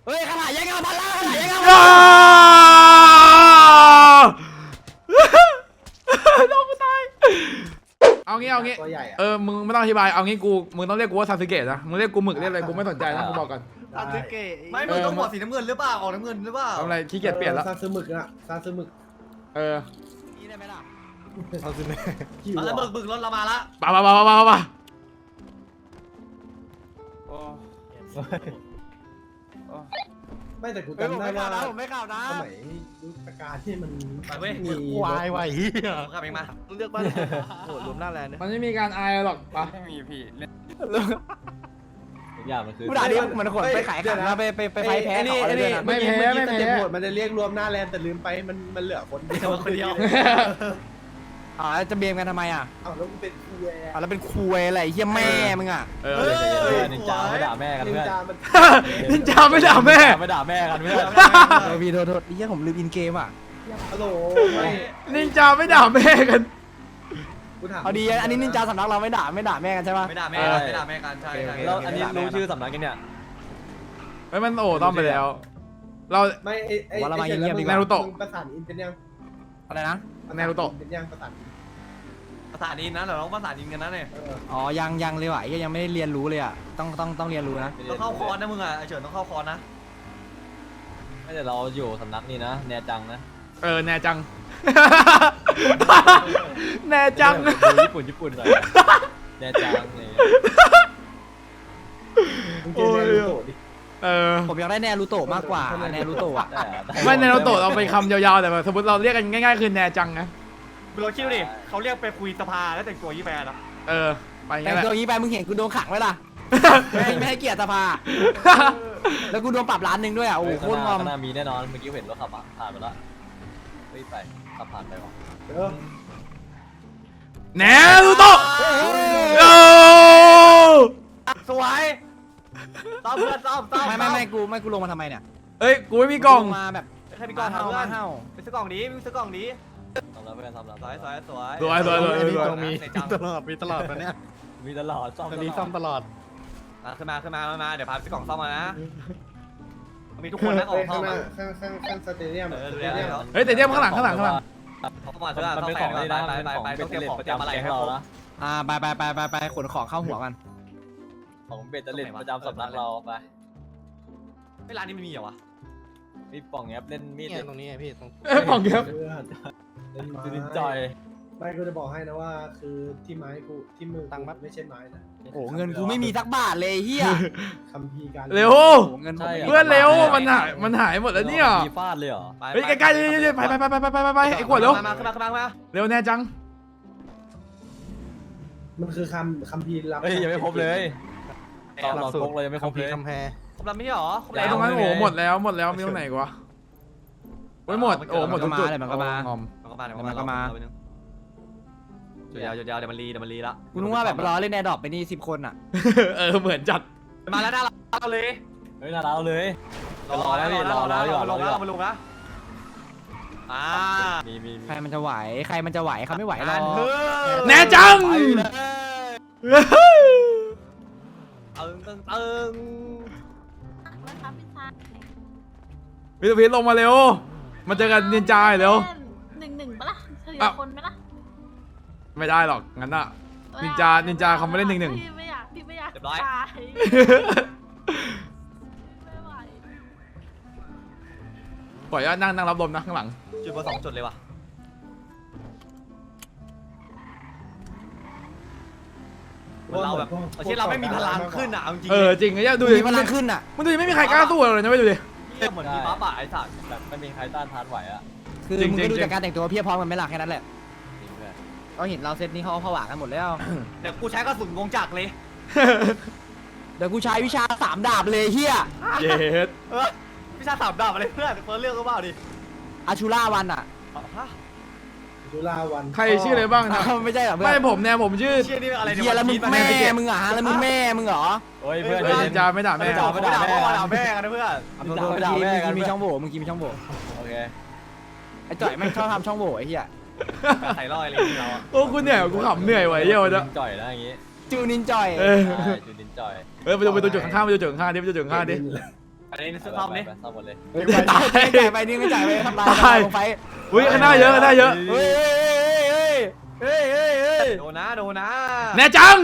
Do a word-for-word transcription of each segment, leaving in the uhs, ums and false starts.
เฮ้ยขนาดยังเอาพันละขนาดยังเอาน้องกูตายเอางี้เอางี้เออมึงไม่ต้องอธิบายเอางี้กูมึงต้องเรียกกูว่าซาสึเกะนะมึงเรียกกูหมึกเรียกอะไรกูไม่สนใจนะกูบอกก่อนซาสึเกะไม่มึงต้องบอกสีน้ำเงินหรือเปล่าออกน้ำเงินหรือเปล่าทำอะไรขี้เกียจเปลี่ยนแล้วซาซึมึกอะซาซึมึกเออนี่ได้ไหมล่ะซาซึมึกเอาแล้วบึกบึกรถเรามาละป่าป่าป่าป่าป่าไม่แต่กูเฮ้ยผมจำได้ไม่ข่าว่าวนะผมไม่ข่าวนะสมัยยุคการที่มันไปเว้ยมีวายว่ะเฮียขับเองมาเลือกบ้านโหรวมหน้าแลนด์เนี่ยมันไม่มีการอายหรอกป่ะไม่มีพี่เล่นอย่างมันคือกูด่าดิมันขนไปขายขันนะไปไปไปไฟแพ้ต่อเลยนะไม่แพ้ไม่เมื่อแพ้กี้โหมดมันจะเรียกรวมหน้าแลนแต่ลืมไปมันมันเหลือคนเดียวคนเดียวอ๋อจะเบียมกันทำไมอ่ะอ้าวแล้วกูเป็นคูแวร์อ๋อแล้วเป็นคุยอะไรเฮียแม่มึงอ่ะเออเออนินจาไม่ด่าแม่กันนินเพื่อนจามันนินจาไม่ด่าแม่ไม่ด่าแม่กันเพื่อนเออพี่โทษโทษเฮียผมลืมอินเกมอ่ะฮัลโหลไม่นินจาไม่ด่าแม่กันกูถามเอาดีอันนี้นินจาสำนักเราไม่ด่าไม่ด่าแม่กันใช่ปะไม่ด่าแม่ไม่ด่าแม่กันใช่ใช่แล้วอันนี้รู้ชื่อสำนักกันเนี่ยไอ้มันโอ้ต้องไปแล้ว เราไม่ไอ้ไอ้มึงประสานอินเป็นยังอะไรนะเป็นยังประสานภาษาดีนะเดี๋ยวเราภาษาดีกันนะเนี่ยอ๋อยังยังเลยว่ะยังไม่ได้เรียนรู้เลยอ่ะต้องต้องต้องเรียนรู้นะต้องเข้าคอร์สนะมึงอ่ะไอเฉินต้องเข้าคอร์สนะไม่แต่เราอยู่สำนักนี้นะแนจังนะเออแน่จัง แน่จังญี่ปุ่นญี่ปุ่นหน่อยแนจังนี่มึงเจอแนรูโตะดิเออผมอยากได้แนรูโตะมากกว่าแนรูโตะอ่ะไม่ในเราโตเราเป็นคำยาวๆแต่แบบสมมติเราเรียกกันง่ายๆคือแน่จังนะเราคิดดูดิเขาเรียกไปคุยสภาแล้วแต่งตัวยี่แฟนอะเออไปอย่างแต่เงี้ยแหละตัวนี้ไปมึงเห็นกูโดนขังไว้ล่ะไม่ให้ไม่ให้เกียรติสภาแล้วกูโดนปรับล้านหนึ่งด้วยอ่ะโอ้โหโคตรงอมข้างหน้ามีแน่นอนเมื่อกี้เห็นรถขับผ่านไปแล้วรีบไปขับผ่านไปวะเออแน่รูโตะโอ้สวยซ้อมเพื่อนซ้อมซ้อมไม่ไม่ไม่กูไม่กูลงมาทำไมเนี่ยเอ้ยกูไม่มีกล่องลมาแบบใครมีกล่องมาทำเห่าเพื่อมาน เห่าไปซื้อกล่องดีไปซื้อกล่องดีทำแล้วเพื่อนทำแล้วสวยสวยสวยสวยสวยสวยสวยมีตลอดมีตลอดนะเนี่ยมีตลอดซ่อมตอนนี้ซ่อมตลอดขึ้นมาขึ้นมาขึ้นมาเดี๋ยวพาไปซื้อกล่องซ่อมมานะมีทุกคนนะของซ่อข้างมหน้าอ่ะข้างข้างข้างสเตเดียมเออสดูเตแลเดียมเขาเฮ้ยแต่เดี๋ยวข้างหลังข้างหลังข้างหลังเขามาซื้อมันเขาเป็นแฝของงนี่ไปนะไปเป็นไปของไปเป็ต้นองเตรียมเล็ของประเตรียมจำอะไรแก๊งให้เราครบนะอ่าไปไปไปไปไปขนของเข้าหัวกันของเบ็ดเล็ประจำสำนักเราไปไอ้ร้านนี้ไม่มีเหรอวะมีป่องแอปเล่นมีดเนี่ยตรงนี้ไงพี่ตรงเอ้ยของเยอะเพื่อนเล่นไม้จูดินจอยไม่กูจะบอกให้นะว่าคือที่ไม้กูที่มือตังไม่ใช่ไม้นะโอ้เงินกูไม่มีสักบาทเลยเฮียคัมภีร์การเร็วโอ้เงินผมไม่มีเพื่อนเร็วมันหายมันหายหมดแล้วเนี่ยมีฟาดเลยเหรอเฮ้ยใกล้ๆเร็วๆไปไปไปไปไปไปไปไอ้ขวดเร็วมาขึ้นมาขึ้นมาขึ้นมาเร็วแน่จังมันคือคำคัมภีร์ลับเฮ้ยยังไม่ครบเลยตอนเราพกเรายังไม่ครบเลยคำแพรครบแล้วไม่ใช่หรอครบไอ้แล้วตรงนั้นโอ้หมดแล้วหมดแล้วมีตรงไหนกวะโอ้ยหมดโอ้หมดทุกจุดงอมมันก็มาเดี๋ยวมันก็มาจุดยาวจุดยาวเดี๋ยวมันรีเดี๋ยวมันรีละกูนึกว่าแบบรอเล่นแอร์ดรอปไปนี่สิบคนอ่ะเออเหมือนจัดมาแล้วหน้าเราเลยเฮ้ยน่ารักเลยรอแล้วรอแล้วรอแล้วรอมาลงนะอ่ามีมีใครมันจะไหวใครมันจะไหวเขาไม่ไหวหรอกแน่จังตึงตึงตึงนะคะพี่ชายวิทย์วิทย์ลงมาเร็วมาเจอกันนินจาเร็วหนึ่งหนึ่งปะล่ะเฉลี่ยอ่ะคนไหมล่ะไม่ได้หรอกงั้นอะ นินจานินจาเขาไม่เล่นหนึ่งหนึ่งพี่ไม่อยากพี่ไม่อยากเรียบร้อยตายไม่ไหวปล่อยว่านั่งนั่งรับลมนะข้างหลังจุดเบอร์สองจุดเลยว่ะเราแบบที่เราไม่มีพลังขึ้นอ่ะจริงเออจริงไอ้เนี่ยดูดิมีพลังขึ้นอ่ะมันดูดิไม่มีใครกล้าสู้เลยนะไม่ดูดิเหมือนมีฟ้าป่าไอ้สัตว์แบบไม่มีใครต้านทานไหวอ่ะคือจริงมึงก็ดูจริงจากการแต่งตัวเพียบพร้อมกันไหม่ล่ะแค่นั้นแหละจริงเพื่อนเราเห็นเราเซตนี้เขาผวากันหมดแล้วเดี๋ยวกูใช้กระสุนวงจักรเลยเดี๋ยวกูใช้วิชาสามดาบเลยเฮียเย็ดเออพี่ชาสามดาบอะไรเพื่อนเฟิร์สเรื่องก็เปล่าดิอาชูล่าวันอ่ะฮะจุฬาวันใครชื่ออะไรบ้างนะไม่ใช่เหรอเพื่อไม่นผมเนี่ยผมชื่อเชี่ยนี่อะไรเฮียแล้วมึงแม่มึงเหรอฮะแล้วมึงแม่มึงเหรอโอ้ยเพื่อนเฮ้ยนินจาไม่ด่าไม่แม่ด่าไม่ด่าพ่อด่าแม่กันนะเพื่อนเอาตัวเมื่อกี้เมื่อกี้มีช่องโหว่เมื่อกี้มีช่องโหว่โอเคไอ้จ่อยแม่งชอบทำช่องโหว่ไอ้เหี้ยใส่ร้อยเลยเราอะโอ้กูเหนื่อยกูขำเหนื่อยไว้เยี่ยวจะจ่อยนะอย่างงี้จูนินจ่อยเออใช่จูดินจ่อยเออไปดูไปดูจุดข้างๆไปดูจุดข้างๆดิไปดูจุดข้างๆดิไปอันนี้ซื้อซ่อมนี่ซ่อมหมดเลยเฮ้ยตายจ่ายไปนี่ไม่จ่ายไปทำลายตายลงไฟอุ้ยข้างหน้าเยอะข้างหน้าเยอะเฮ้ยเฮ้ยเฮ้ยเฮ้ยเฮ้ยโดนนะโดนนะแน่จัง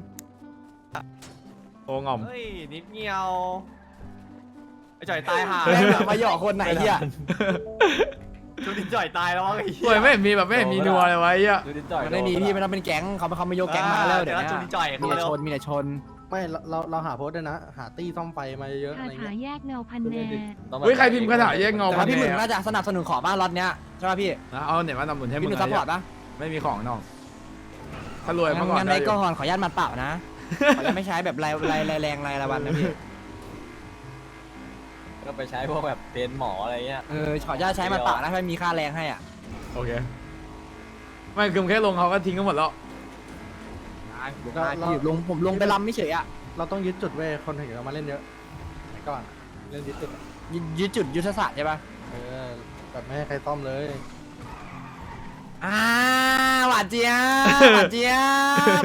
โอ้งอมเฮ้ยนิดเดียวไอ้จ่อยตายห่าแม่งแบบมาหยอกคนไหนเฮียจูดินจ่อยตายแล้ววะไอ้โอ้ยไม่เห็นมีแบบไม่เห็นมีนัวเลยวะไอ้เหี้ยดูดินจ่อยมันไม่มีพี่มันต้องเป็นแก๊งเขาเขาไม่ยกแก๊งมาแล้วเดี๋ยวนี้จูดินจ่อยมีเขาแต่เร็วชนมีแต่ชนไม่เราเราเราหาโพสต์ด้วยนะ หาตี้ซ่อมไฟมาเยอะๆคาอะไรถาเงี้ยแยกเงาพันแน่เฮ้ยใครพิมพ์คาถาแยกเงาแต่พัว่าน พี่หมึกแน่น่าจะสนับสนุนขอบ้านรถเนี้ยใช่ป่ะพี่นะเอาเนี่ยมาทำหนุนให้มึพี่งหนุ่มซัพพอร์ตปะไม่มีของน้องถ้ารวยเมื่อก่อนงั้นได้ไว้อยู่ก่อนขออนุญาตมัดเปล่านะขออนุญาตไม่ใช้แบบรายรายรายแรงรายละวันนะพี่ก็ไปใช้พวกแบบเป็นหมออะไรเงี้ยเออขออนุญาตใช้มัดเปล่านะไม่มีค่าแรงให้อ่ะโอเคไม่คือแค่ลงเขาก็ทิ้งกันหมดแล้วพี่ลงผมลงไปลำไม่เฉยอ่ะเราต้องยึดจุดเว้ยคนถึงเรามาเล่นเยอะไหนก่อนเล่นยึดจุดอะยึดยึดจุดยุทธศาสตร์ใช่ป่ะเออแบบไม่ให้ใครซ่อมเลยอ่าหวานเจี๊ยบหวานเจี๊ยบ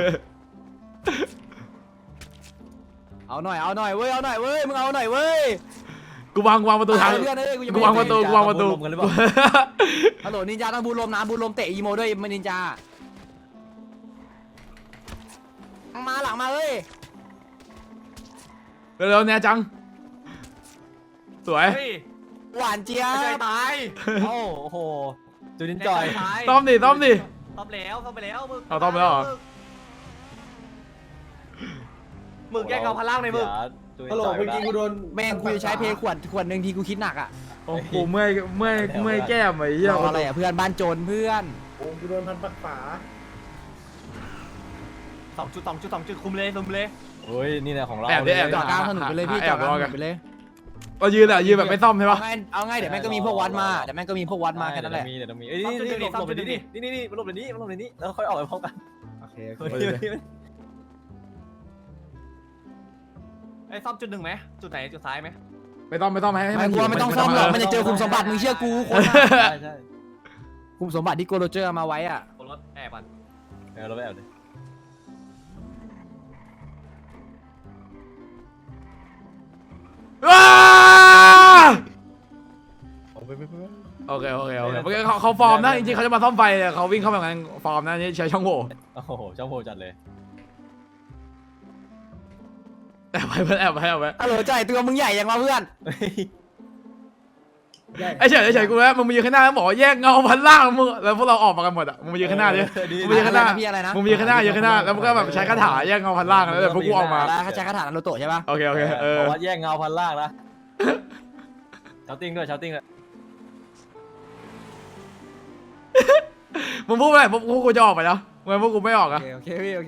เอาหน่อยเอาหน่อยเว้ยเอาหน่อยเว้ยมึงเอาหน่อยเว้ยกูวางกูวางประตูทางเพื่อนเอ้ยกูยังกูไม่วางประตูกูวางประตูฮัลโหลนินจาต้องบูลมนะบูลมเตะอีโมด้วยมันนินจามาหลังมาเอ้ยเร็วๆแน่จังสวยเฮ้ยหวานเจี๊ยไอ้จ่อยบตายโอ้โหดูดินจ่อยตายต้อมดิต้อมดิซ่อมแล้วซ่อมไปแล้วมึงเอาซ่อมไปแล้วเหรอมึงแยกเงาพันล่างในมึงฮัลโหลเมื่อกี้กูโดนแม่งกูจะใช้เพลขวดขวดหนึ่งทีกูคิดหนักอ่ะโอ้โหเมื่อยเมื่อยเมื่อยแก้มไอ้เหี้ยรออะไรอ่ะเพื่อนบ้านโจรเพื่อนโอ้กูโดนพันปักฝาสองจุดสองจุดสองจุดคุมเลยคุมเลยเฮ้ยนี่แหละของเราแอบดิแอบจอดกลางถนนไปเลยพี่จอดกลางถนนไปเลยเรายืนอ่ะยืนแบบไม่ซ่อมใช่เอาปะไงเอาไงเดี๋ยวแม่งก็มีพวกวัดมาเดี๋ยวแม่งก็มีพวกวัดมาแค่นั้นแหละมีเดี๋ยวมีเอ้ยนี่นี่หลบหลบไปนี่นี่นี่นี่หลบไปนี่หลบไปนี่แล้วค่อยออกไปพร้อมกันโอเคไอ้ซ่อมจุดหนึ่งไหมจุดไหนจุดซ้ายไหมไม่ต้องไม่ต้องให้ให้ไม่มันกลัวไม่ต้องซ่อมหรอกมันจะเจอคุมสมบัติมึงเชื่อกูคนใช่ใช่คุมสมบัติที่โกโรเจอร์มาไว้อ่ะรถแอบมันเออเราไปแอบเลยว้าเอาไปไปไปไปโอเคโอเคโอเคเมื่อกี้เขาเขาฟอร์มนะจริงๆเขาจะมาซ่อมไฟแต่เขาวิ่งเข้าแบบนั้นฟอร์มนะนี่ใช้ช่องโหว่โอ้โหเจ้าโหจัดเลยแอบไปเพื่อนแอบไปแอบไปฮัลโหลใจตัวมึงใหญ่ยังวะเพื่อนไอ้เฉยไอ้เฉยกูแล้วมึงมายืนข้างหน้าแล้วบอกว่าแยกเงาพันล่างมึงแล้วพวกเราออกมากันหมดอ่ะมึงมายืนข้างหน้าดิมึงมายืนข้างหน้าพี่อะไรนะมึงมายืนข้างหน้ายืนข้างหน้าแล้วมึงก็แบบใช้คาถาแยกเงาพันล่างแล้วเดี๋ยวพวกกูออกมาแล้วเขาใช้คาถานารูโตะใช่ป่ะโอเคโอเคเออบอกว่าแยกเงาพันล่างนะเชาติ้งด้วยเชาติ้งด้วยมึงพูดไปไหนพวกพวกกูจะออกไปแล้วทำไมพวกกูไม่ออกโออ่ะเคโอเคพี่โอเค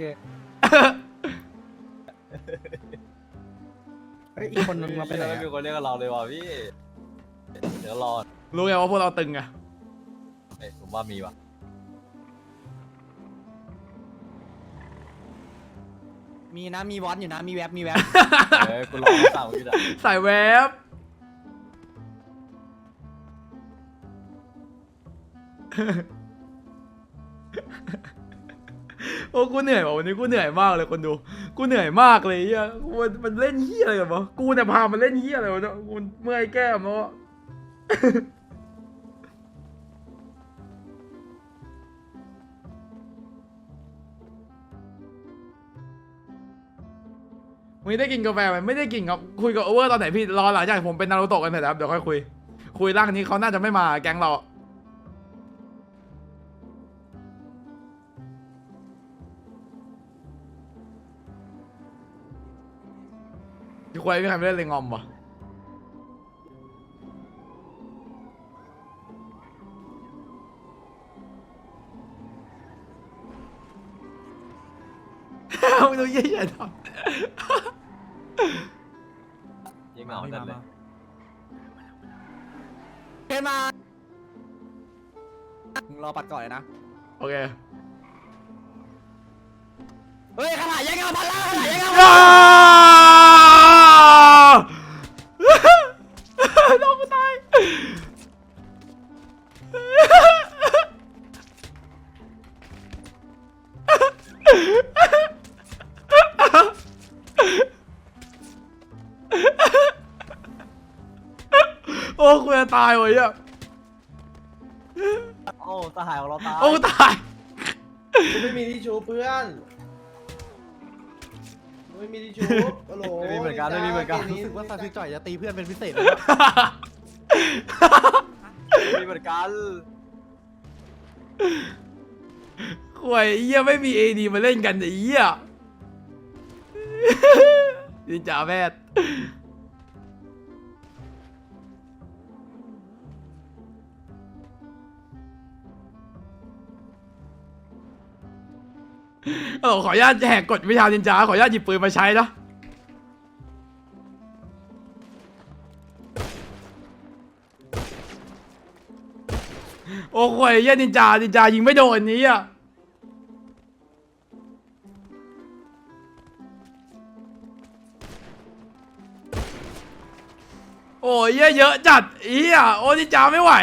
เฮ้ยอีกคนนึงมาไปไหนไม่อะมีคนเรียกเราเลยว่ะพี่เดี๋ยวรอรู้ไงว่าพวกเราตึงไงเอ้ยผมว่ามีว่ะมีนะมีวอตอยู่นะมีแว็บมีแว็บเอ้ยกูรอสั่งอยู่อ่ะใส่แวบโอ้กูเหนื่อยว่ะวันนี้กูเหนื่อยมากเลยคนดูกูเหนื่อยมากเลยเฮียกูมันเล่นเฮียอะไรกันวะกูเนี่ยพามันเล่นเฮียอะไรวะเนี่ยกูเมื่อยแก้มแล้วอะ มึงได้กินกาแฟไหมไม่ได้กินครับคุยกับโอเวอร์ตอนไหนพี่รอหลังจากผมเป็นนารูโตะกันเสร็จแล้วเดี๋ยวค่อยคุยคุยร่างนี้เขาน่าจะไม่มาแก๊งเราพี่คุยไม่ใครไม่เล่นเลยงอมวะมึงดูเยี่ยๆทำยิงเหงาจัดเลยเห็นมามึงรอปัดก่อนเลยนะโอเคเฮ้ยขนาดยังเงาพันล่างขนาดยังเงาอ้าน้องกูตายโอ้กูจะตายว่ะเหี้ยโอ้สหายของเราตายโอ้ตายกูไม่มีที่ชูเพื่อนกูไม่มีที่ชูโอ้โหไม่มีเหมือนกันไม่มีเหมือนกันรู้สึกว่าซาซิจ่อยจะตีเพื่อนเป็นพิเศษเลยมีเหมือนกันข่วยเหี้ยไม่มีเอดีมาเล่นกันไอ้เหี้ยนินจาแพทย์เออขออนุญาตแหกกฎวิชานินจาขออนุญาตหยิบปืนมาใช้นะโอ้ข่วยเหี้ยนินจานินจายิงไม่โดนนี้อ่ะโอ้ยเหี้ยเยอะจัดอีอ่ะโอ้นินจาไม่ไหว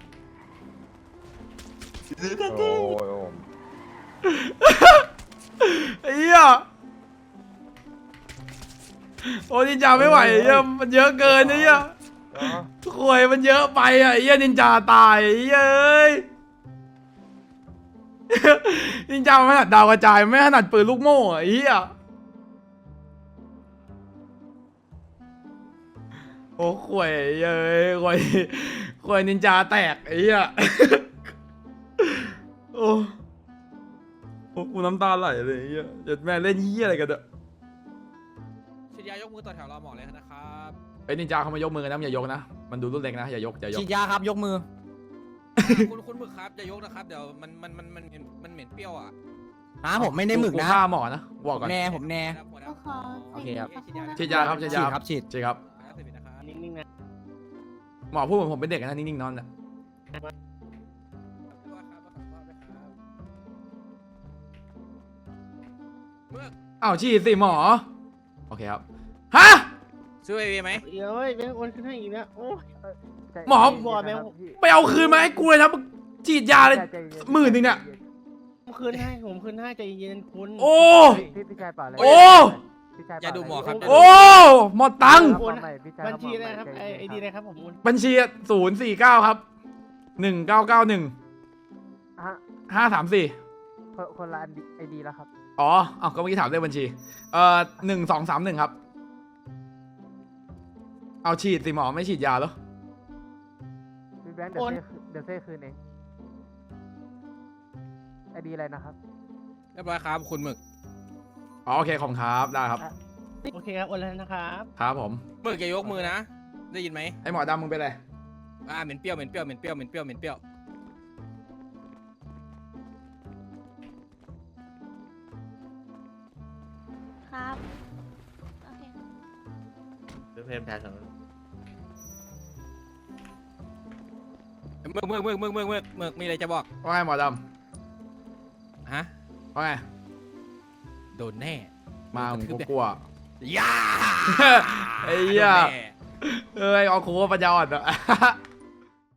โอ้ยไอ้เหี้ยโอ้นินจาไม่ไหวไอ้เหี้ยมันเยอะเกินไอ้เหี้ยข่วยมันเยอะไปอ่ะไอ้เหี้ยนินจาตายไอ้เหี้ยเอ้ยนินจามันไม่ถนัดดาวกระจายไม่ถนัดปืนลูกโม่อ่ะไอ้เหี้ยโอ้ข่วยเอ้ยข่วยข่วยนินจาแตกไอ้เหี้ยโอ้โอ้กูน้ำตาไหลเลยไอ้เหี้ยเดี๋ยวแม่เล่นเหี้ยอะไรกันเด้อฉีดยายกมือต่อแถวรอหมอเลยนะครับไอ้นินจาเขามายกมือกันนะอย่ายกนะมันดูรุ่นเล็กนะอย่ายกอย่ายกฉีดยาครับยกมือคุณคุณหมึกครับอย่ายกนะครับเดี๋ยวมันมันมันมันมันเหม็นเปรี้ยวอ่ะฮะผมไม่ได้หมึกนะฆ่าหมอนะบอกก่อนแน่ผมแน่ครับหัวหโอน้าเคโอเคครับฉีดยาครับฉีดฉียาดครับฉีดฉีดครับขออนุญาตเสร็จนะครับนิ่งๆนะหมอพูดเหมือนผมเป็นเด็กนะนิ่งๆนอนน่ะตัวครับขอโทษด้วยครับเมื่ออ้าวฉีดสิหมอโอเคครับฮะซื้อไอวีไหมเดี๋ยวเว้ยแม่งโอนขึ้นให้อีกนะโอ้ยหมอบอดแม่งไปเอาคืนมาให้กูเลยนะฉีดยาเลยหมื่นหนึงเนี่ยผมคืนให้ผมคืนให้ใจเย็นคุณโอ้พี่พี่ชายเปล่าเลยโอ้พี่ชายอย่าดูหมอครับโอ้หมดตังค์โอนบัญชีนะครับไอไอดีนะครับผมโอนบัญชีศูนย์สี่เก้าครับหนึ่งเก้าเก้าหนึ่งห้าสามสี่คนละไอดีแล้วครับอ๋ออ้าวก็เมื่อกี้ถามเลขบัญชี เอ่อหนึ่งสองสามหนึ่งครับ เอาฉีดสิหมอไม่ฉีดยาเหรอพี่แบงค์เดี๋ยวเซ่เดี๋ยวเซ่คืนเองไอดีอะไรนะครับเรียบร้อยครับคุณหมึกอ๋อโอเคขอบคุณครับได้ครับโอเคครับโอนแล้วนะครับครับผมหมึกอย่ายกมือนะ ได้ยินไหมไอหมอดำมึงเป็นไรอ่าเหม็นเปรี้ยวเหม็นเปรี้ยวเหม็นเปรี้ยวเหม็นเปรี้ยวเหม็นเปรี้ยวครับโอเคเพิ่มแทนสองหมึกหมึกหมึกหมึกหมึกหมึกหมึกมีอะไรจะบอกว่าไงหมอดฮะำว่าไงโดนแน่มาผมกูกลัวย่าไอ้เหี้ยโดนแน่เอ้ยเอาคูว่าปัญญาอ่อนอะ